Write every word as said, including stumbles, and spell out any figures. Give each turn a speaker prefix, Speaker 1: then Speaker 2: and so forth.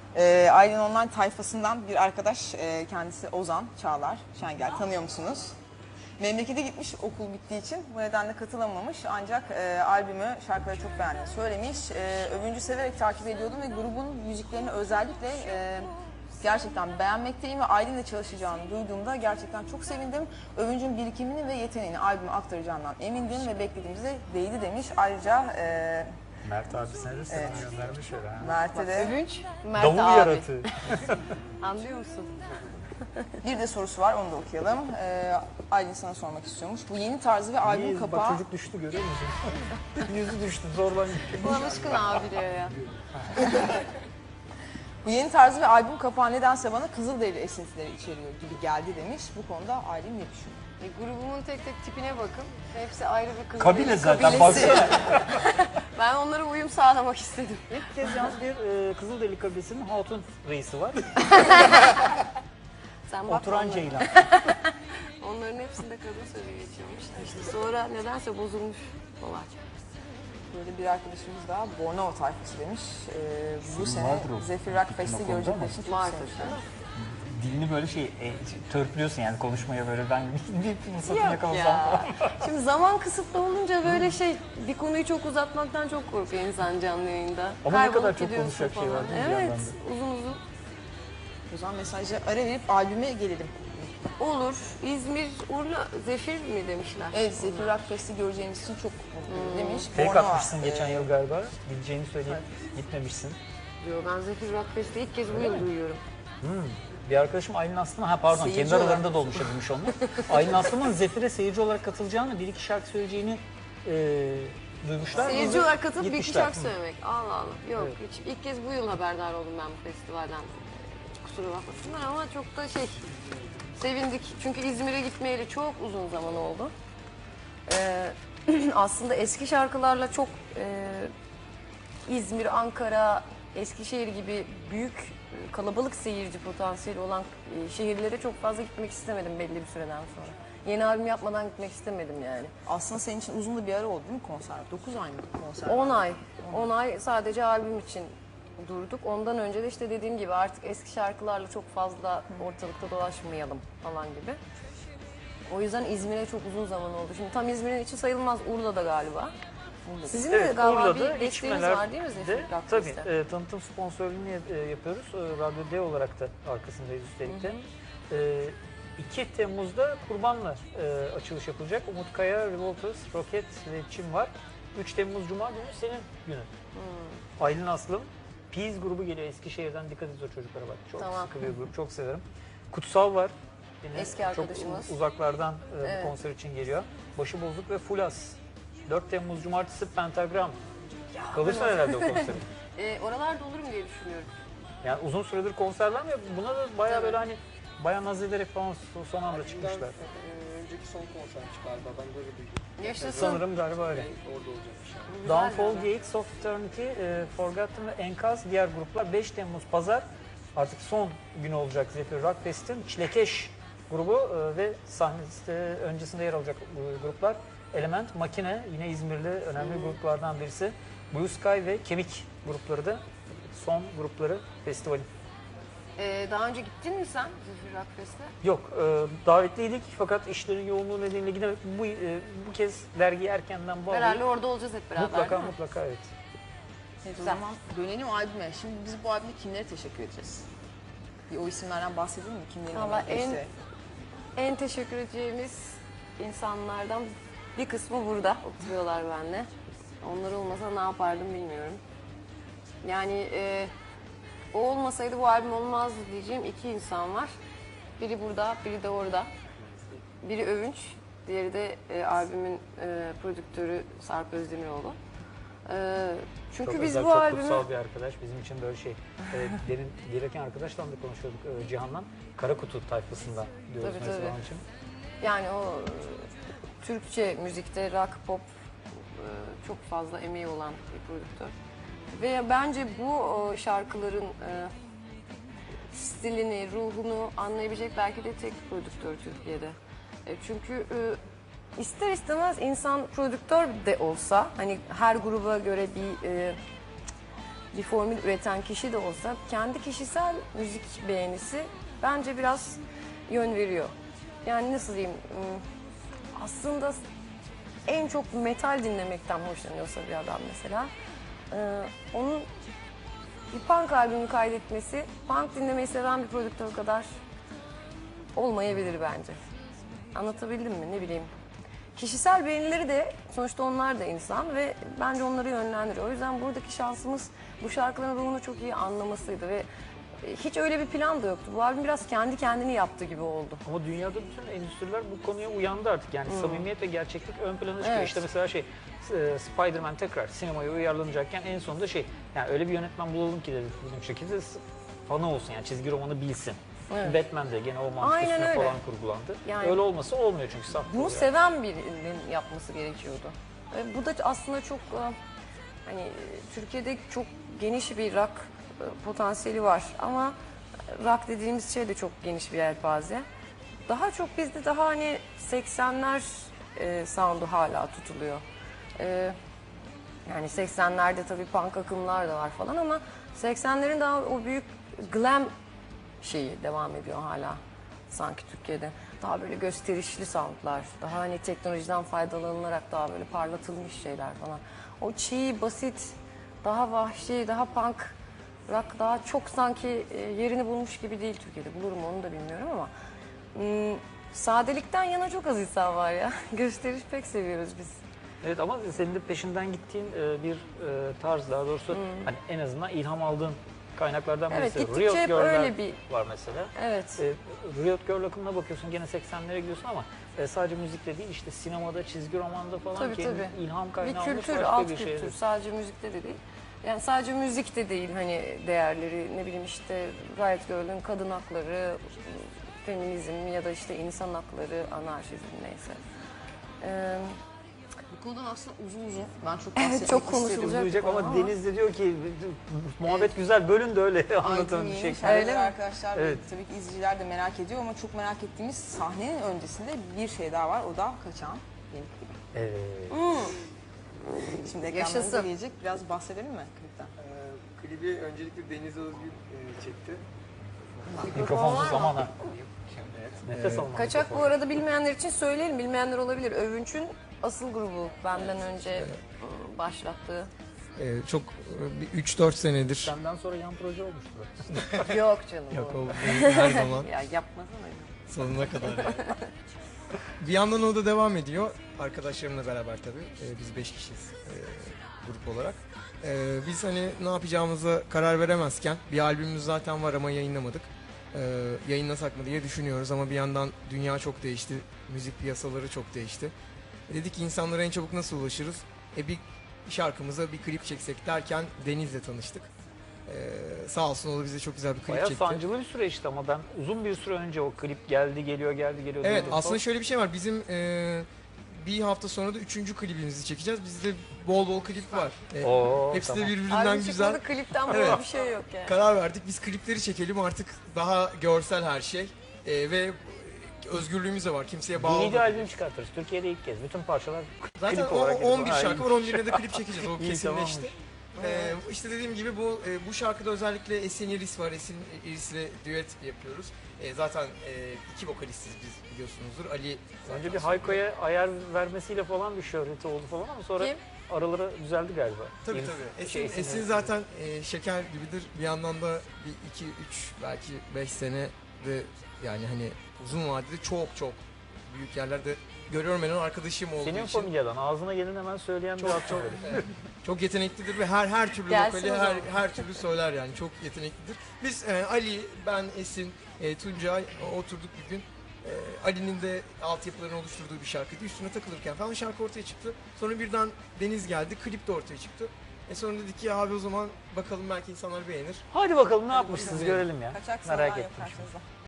Speaker 1: Ee, Aylin Online tayfasından bir arkadaş, e, kendisi Ozan Çağlar Şengel, tanıyor musunuz? Memlekete gitmiş okul bittiği için, bu nedenle katılamamış, ancak e, albümü, şarkıları çok beğendiğini söylemiş. E, Övüncü severek takip ediyordum ve grubun müziklerini özellikle e, gerçekten beğenmekteyim ve Aylin'le çalışacağını duyduğumda gerçekten çok sevindim. Övüncü'nün birikimini ve yeteneğini albüme aktaracağından emindim ve beklediğimize değdi demiş. Ayrıca e,
Speaker 2: Mert abisine de selam evet. göndermiş öyle ha.
Speaker 1: Mert'e de.
Speaker 3: Övünç, Mert
Speaker 2: Davul
Speaker 3: abi.
Speaker 2: yaratığı.
Speaker 3: Anlıyor musun?
Speaker 1: Bir de sorusu var, onu da okuyalım. Ee, Aylin sana sormak istiyormuş. Bu yeni tarzı ve albüm
Speaker 2: İyi,
Speaker 1: kapağı...
Speaker 2: Bak çocuk düştü, görüyor musun? Yüzü düştü, zorlan gitti.
Speaker 3: Bu alışkın abi diyor ya.
Speaker 1: Bu yeni tarzı ve albüm kapağı nedense bana Kızılderili esintileri içeriyor gibi geldi demiş. Bu konuda Aylin ne düşünüyor?
Speaker 3: E, grubumun tek tek tipine bakın. Hepsi ayrı bir kız.
Speaker 2: Kabile zaten, baksana.
Speaker 3: Ben onlara uyum sağlamak istedim.
Speaker 2: İlk kez yalnız bir e, Kızılderili kabilesinin hatun reisi var.
Speaker 3: Sen bak
Speaker 2: Oturan
Speaker 3: onlara.
Speaker 2: Ceylan.
Speaker 3: Onların hepsinde kadın sözü geçiyormuş. İşte sonra nedense bozulmuş olay.
Speaker 1: Böyle bir arkadaşımız daha Bornova tayfası demiş. Ee, bu sene
Speaker 2: vardır o.
Speaker 1: Zephyr Rock Fest'i görecekler için çok
Speaker 3: Vardır.
Speaker 1: sevmişler.
Speaker 2: Dilini böyle şey, e, törpülüyorsun yani konuşmaya böyle ben bir fırsatını
Speaker 3: Yok
Speaker 2: yakalasam
Speaker 3: ya.
Speaker 2: falan.
Speaker 3: Şimdi zaman kısıtlı olunca böyle şey, bir konuyu çok uzatmaktan çok korkuyor insan canlı yayında.
Speaker 2: Ama ne
Speaker 3: Kaybolup
Speaker 2: kadar çok
Speaker 3: gidiyorsun
Speaker 2: konuşacak şey
Speaker 3: falan.
Speaker 2: var değil mi bir
Speaker 3: Evet,
Speaker 2: yandan da?
Speaker 3: uzun uzun.
Speaker 1: O zaman mesajı ara verip albüme gelelim.
Speaker 3: Olur. İzmir, Urla, Zefir mi demişler?
Speaker 1: Evet, Zephyr Rock Fest'i göreceğimiz için çok mutluyum demiş.
Speaker 2: Fake
Speaker 1: Bornova,
Speaker 2: atmışsın geçen
Speaker 1: e,
Speaker 2: yıl galiba. Gideceğini söyleyip gitmemişsin.
Speaker 3: Diyor, ben Zefir Rock Fest'i ilk kez bu yıl duyuyorum.
Speaker 2: Hmm. Bir arkadaşım Aylin Aslı'nın, ha pardon
Speaker 1: Seyirci
Speaker 2: kendi aralarında
Speaker 1: olarak.
Speaker 2: da oluşabilmiş onlar. Aylin Aslı'nın Zefir'e seyirci olarak katılacağını, bir iki şarkı söyleyeceğini e, duymuşlar.
Speaker 3: Seyirci
Speaker 2: Bizi
Speaker 3: olarak katılıp bir iki
Speaker 2: gitmişler.
Speaker 3: şarkı söylemek. Allah Allah. Yok,
Speaker 2: Evet.
Speaker 3: hiç, ilk kez bu yıl haberdar oldum ben bu festivalden. Kusura bakmasınlar ama çok da şey, sevindik. Çünkü İzmir'e gitmeyeli çok uzun zaman oldu. Ee, aslında eski şarkılarla çok e, İzmir, Ankara, Eskişehir gibi büyük kalabalık seyirci potansiyeli olan e, şehirlere çok fazla gitmek istemedim belli bir süreden sonra. Yeni albüm yapmadan gitmek istemedim yani.
Speaker 1: Aslında senin için uzun da bir ara oldu değil mi konser? dokuz ay mı konser?
Speaker 3: on ay. on ay sadece albüm için durduk. Ondan önce de işte dediğim gibi artık eski şarkılarla çok fazla ortalıkta dolaşmayalım falan gibi. O yüzden İzmir'e çok uzun zaman oldu. Şimdi tam İzmir'in içi sayılmaz, Urla'da galiba. Sizin de
Speaker 2: Evet,
Speaker 3: galiba
Speaker 2: Urla'da,
Speaker 3: bir desteğiniz
Speaker 2: İçmeler
Speaker 3: var değil mi Zefir
Speaker 2: de,
Speaker 3: Rock
Speaker 2: tabii
Speaker 3: Fest'te?
Speaker 2: e, tanıtım sponsorluğunu e, yapıyoruz. E, Radyo D olarak da arkasındayız üstelik de. E, iki Temmuz'da Kurban'la e, açılış yapılacak. Umut Kaya, Revolters, Roket ve Çim var. üç Temmuz Cuma günü senin günün.
Speaker 3: Hmm.
Speaker 2: Aylin Aslım. Peas grubu geliyor Eskişehir'den. Dikkat et o çocuklara bak. Çok
Speaker 3: Tamam.
Speaker 2: sıkı bir grup. Çok severim. Kutsal var. Yine
Speaker 3: Eski arkadaşımız.
Speaker 2: Çok uzaklardan e,
Speaker 3: Evet.
Speaker 2: bu konser için geliyor. Başı Bozuk ve Fulas. dört Temmuz Cumartesi Pentagram. Kalırsan herhalde o konsere.
Speaker 3: E, oralarda olurum diye düşünüyorum.
Speaker 2: Yani uzun süredir konser vermiyor. Buna da bayağı
Speaker 3: Tabii.
Speaker 2: böyle hani bayağı naz ederek falan son anda çıkmışlar.
Speaker 4: Ee, önceki son konsermiş galiba, ben böyle duydum.
Speaker 3: Yaşasın.
Speaker 2: Sanırım galiba öyle.
Speaker 4: Orada olacakmış yani.
Speaker 3: Güzel
Speaker 2: Downfall,
Speaker 3: yani.
Speaker 2: Gates of Eternity, e, Forgotten ve Enkaz diğer gruplar. beş Temmuz Pazar artık son günü olacak Zephyr Rock Fest'in. Çilekeş grubu e, ve sahnesi öncesinde yer alacak bu gruplar. Element, Makine yine İzmirli önemli
Speaker 3: Hmm.
Speaker 2: gruplardan birisi. Blue Sky ve Kemik grupları da son grupları festivalin.
Speaker 3: E, daha önce gittin mi sen Zefir Rock Fest'e?
Speaker 2: Yok, e, davetliydik fakat işlerin yoğunluğu nedeniyle gidemedik. Bu, e, bu kez dergiyi erkenden
Speaker 3: Herhalde
Speaker 2: bağlayıp
Speaker 3: orada olacağız hep beraber
Speaker 2: mutlaka
Speaker 3: değil mi?
Speaker 2: mutlaka evet.
Speaker 1: Evet, o zaman dönelim albüme. Şimdi biz bu albüme kimlere teşekkür edeceğiz? Bir o isimlerden bahsedelim mi? Kimlerin
Speaker 3: Valla
Speaker 1: emeği
Speaker 3: en-
Speaker 1: geçti?
Speaker 3: En teşekkür edeceğimiz insanlardan bir kısmı burada oturuyorlar benimle. Onlar olmasa ne yapardım bilmiyorum. Yani e, o olmasaydı bu albüm olmazdı diyeceğim iki insan var. Biri burada, biri de orada. Biri Övünç, diğeri de e, albümün e, prodüktörü Sarp Özdemiroğlu. E, çünkü
Speaker 2: Çok
Speaker 3: biz
Speaker 2: özel,
Speaker 3: bu
Speaker 2: çok
Speaker 3: albümü...
Speaker 2: kutsal bir arkadaş. Bizim için böyle şey. E, derin, gelirken arkadaşla da konuşuyorduk e, Cihan'la. Kara Kutu tayfasında diyoruz
Speaker 3: Tabii,
Speaker 2: mesela
Speaker 3: tabii.
Speaker 2: onun için.
Speaker 3: Yani o e, Türkçe müzikte rock, pop e, çok fazla emeği olan bir prodüktör. Ve bence bu o, şarkıların e, stilini, ruhunu anlayabilecek belki de tek prodüktör Türkiye'de. E, çünkü e, ister istemez insan prodüktör de olsa, hani her gruba göre bir e, bir formül üreten kişi de olsa kendi kişisel müzik beğenisi bence biraz yön veriyor. Yani nasıl diyeyim, ım, aslında en çok metal dinlemekten hoşlanıyorsa bir adam mesela, e, onun bir punk albümü kaydetmesi, punk dinlemeyi seven bir prodüktör kadar olmayabilir bence. Anlatabildim mi? Ne bileyim. Kişisel beğenileri de sonuçta onlar da insan ve bence onları yönlendiriyor. O yüzden buradaki şansımız bu şarkıların ruhunu çok iyi anlamasıydı ve hiç öyle bir plan da yoktu. Bu albüm biraz kendi kendini yaptı gibi oldu.
Speaker 2: Ama dünyada bütün endüstriler bu konuya uyandı artık. Yani samimiyet ve gerçeklik ön plana çıkıyor.
Speaker 3: Evet.
Speaker 2: İşte mesela şey e, Spider-Man tekrar sinemaya uyarlanacakken en sonunda şey, yani öyle bir yönetmen bulalım ki dedi bizim şekilde fanı olsun, yani çizgi romanı bilsin.
Speaker 3: Evet.
Speaker 2: Batman de gene o mantık
Speaker 3: Aynen
Speaker 2: üstüne
Speaker 3: öyle.
Speaker 2: falan kurgulandı.
Speaker 3: Yani-
Speaker 2: öyle olması olmuyor çünkü saf.
Speaker 3: Bunu
Speaker 2: yani.
Speaker 3: seven birinin yapması gerekiyordu. Ve bu da aslında çok e, hani e, Türkiye'de çok geniş bir rock e, potansiyeli var ama rock dediğimiz şey de çok geniş bir yelpaze. Daha çok bizde daha hani seksenler e, sound'u hala tutuluyor. E, yani seksenlerde tabii punk akımlar da var falan ama seksenlerin daha o büyük glam şeyi devam ediyor hala sanki Türkiye'de. Daha böyle gösterişli soundlar, daha hani teknolojiden faydalanılarak daha böyle parlatılmış şeyler falan. O çiğ, basit, daha vahşi, daha punk rock daha çok sanki e, yerini bulmuş gibi değil Türkiye'de. Bulurum onu da bilmiyorum ama hmm, sadelikten yana çok az insan var ya. Gösteriş pek seviyoruz biz.
Speaker 2: Evet, ama senin de peşinden gittiğin e, bir e, tarz, daha doğrusu hani en azından ilham aldığın kaynaklardan
Speaker 3: Evet,
Speaker 2: birisi.
Speaker 3: gittikçe
Speaker 2: Riot
Speaker 3: hep
Speaker 2: Girl'ler
Speaker 3: öyle bir-
Speaker 2: var mesela.
Speaker 3: Evet.
Speaker 2: E, Riot Girl akımına bakıyorsun, gene seksenlere gidiyorsun ama e, sadece müzikte değil, işte sinemada, çizgi romanda falan
Speaker 3: Tabii,
Speaker 2: kendi
Speaker 3: tabii.
Speaker 2: ilham
Speaker 3: Bir
Speaker 2: kaynağı olmuş
Speaker 3: kültür,
Speaker 2: başka
Speaker 3: alt
Speaker 2: bir şey.
Speaker 3: kültür. Sadece müzikte de değil. Yani sadece müzikte değil hani değerleri, ne bileyim işte Riot Girl'ün kadın hakları, feminizm ya da işte insan hakları, anarşizm neyse. Ee,
Speaker 1: Bu konudan aslında uzun uzun ben çok
Speaker 3: Evet,
Speaker 1: bahsetmek
Speaker 3: çok
Speaker 1: isterim.
Speaker 3: konuşulacak.
Speaker 2: Duyacak ama
Speaker 3: Ama-
Speaker 2: Deniz de diyor ki muhabbet güzel, bölün de öyle anlatan bir şey.
Speaker 1: Öyle
Speaker 3: Öyle mi?
Speaker 1: arkadaşlar ve
Speaker 2: Evet.
Speaker 1: tabii ki izleyiciler de merak ediyor ama çok merak ettiğimiz sahnenin öncesinde bir şey daha var. O da Kaçağın yeni klibi.
Speaker 2: Evet.
Speaker 1: Şimdi
Speaker 3: Yaşasın.
Speaker 1: ekranlarımıza gelecek. Biraz bahsedelim mi klipten?
Speaker 4: Ee, klibi öncelikle Deniz Özgür e, çekti.
Speaker 2: Mikrofonsuz
Speaker 3: var mı?
Speaker 2: zaman ha.
Speaker 4: Evet.
Speaker 2: Nefes alma.
Speaker 3: Kaçak bu arada bilmeyenler için söyleyelim. Bilmeyenler olabilir. Övünç'ün asıl grubu benden önce ıı, başlattığı.
Speaker 5: Ee, çok e, bir üç dört senedir.
Speaker 2: Senden sonra yan proje olmuştu.
Speaker 3: Yok canım.
Speaker 5: Yok
Speaker 3: o.
Speaker 5: o her zaman
Speaker 3: Ya yapmasana.
Speaker 5: sonuna kadar. yani. Bir yandan o da devam ediyor. Arkadaşlarımla beraber tabii. Ee, biz beş kişiyiz e, grup olarak. Ee, biz hani ne yapacağımıza karar veremezken bir albümümüz zaten var ama yayınlamadık. Ee, yayınlasak mı diye düşünüyoruz ama bir yandan dünya çok değişti. Müzik piyasaları çok değişti. E, dedik ki insanlara en çabuk nasıl ulaşırız? E bir şarkımıza bir klip çeksek derken Deniz'le tanıştık. Ee, sağ olsun o da bize çok güzel bir klip
Speaker 2: Bayağı
Speaker 5: çekti.
Speaker 2: sancılı bir süreçti ama ben uzun bir süre önce o klip geldi geliyor geldi geliyor.
Speaker 5: Evet,
Speaker 2: diyordum
Speaker 5: aslında
Speaker 2: falan.
Speaker 5: şöyle bir şey var. Bizim e, bir hafta sonra da üçüncü klibimizi çekeceğiz. Bizde bol bol klip var. E,
Speaker 2: Oo,
Speaker 5: hepsi
Speaker 2: tamam.
Speaker 5: de birbirinden
Speaker 3: Albüm
Speaker 5: güzel.
Speaker 3: çıkmadı, klipten böyle
Speaker 5: Evet.
Speaker 3: bir şey yok yani.
Speaker 5: Karar verdik. Biz klipleri çekelim artık daha görsel her şey. E, ve özgürlüğümüz de var. Kimseye bağlı
Speaker 2: D V D
Speaker 5: olmadık.
Speaker 2: albüm çıkartırız. Türkiye'de ilk kez. Bütün parçalar
Speaker 5: Zaten
Speaker 2: klip
Speaker 5: o,
Speaker 2: olarak gelir.
Speaker 5: on bir
Speaker 2: Ha,
Speaker 5: şarkı
Speaker 2: iyi.
Speaker 5: var. on birine de klip çekeceğiz. O
Speaker 2: İyi,
Speaker 5: kesinleşti.
Speaker 2: tamammış.
Speaker 5: Ee, işte dediğim gibi bu e, bu şarkıda özellikle Esin Iris var. Esin Iris'le düet yapıyoruz. E, zaten e, iki vokalistiz biz, biliyorsunuzdur. Ali zaten
Speaker 2: Önce bir Hayko'ya ayar vermesiyle falan bir şöhreti oldu falan ama sonra
Speaker 3: Kim?
Speaker 2: araları düzeldi galiba.
Speaker 5: Tabii
Speaker 2: Yeni-
Speaker 5: tabii. Esin,
Speaker 2: şey,
Speaker 5: Esin zaten e, şeker gibidir. Bir yandan da bir iki üç belki beş sene de yani hani uzun vadede çok çok büyük yerlerde görüyorum, ben onun arkadaşım olduğu
Speaker 2: Senin
Speaker 5: için.
Speaker 2: familyadan ağzına gelin hemen söyleyen bir
Speaker 5: Çok
Speaker 2: adam.
Speaker 5: çok evet. Çok yeteneklidir ve her her türlü
Speaker 3: Gelsin
Speaker 5: vokali
Speaker 3: o
Speaker 5: her
Speaker 3: zaman.
Speaker 5: her türlü söyler yani, çok yeteneklidir. Biz e, Ali, ben, Esin, e, Tuncay e, oturduk bir gün. E, Ali'nin de altyapılarını oluşturduğu bir şarkıydı. Üstüne takılırken falan şarkı ortaya çıktı. Sonra birden Deniz geldi, klip de ortaya çıktı. E sonra dedik ki ya abi o zaman bakalım belki insanlar beğenir.
Speaker 2: Hadi bakalım ne yapmışsınız görelim ya.
Speaker 1: Kaçak
Speaker 2: Merak
Speaker 1: Merak
Speaker 2: ettim şimdi.
Speaker 1: karşınızda.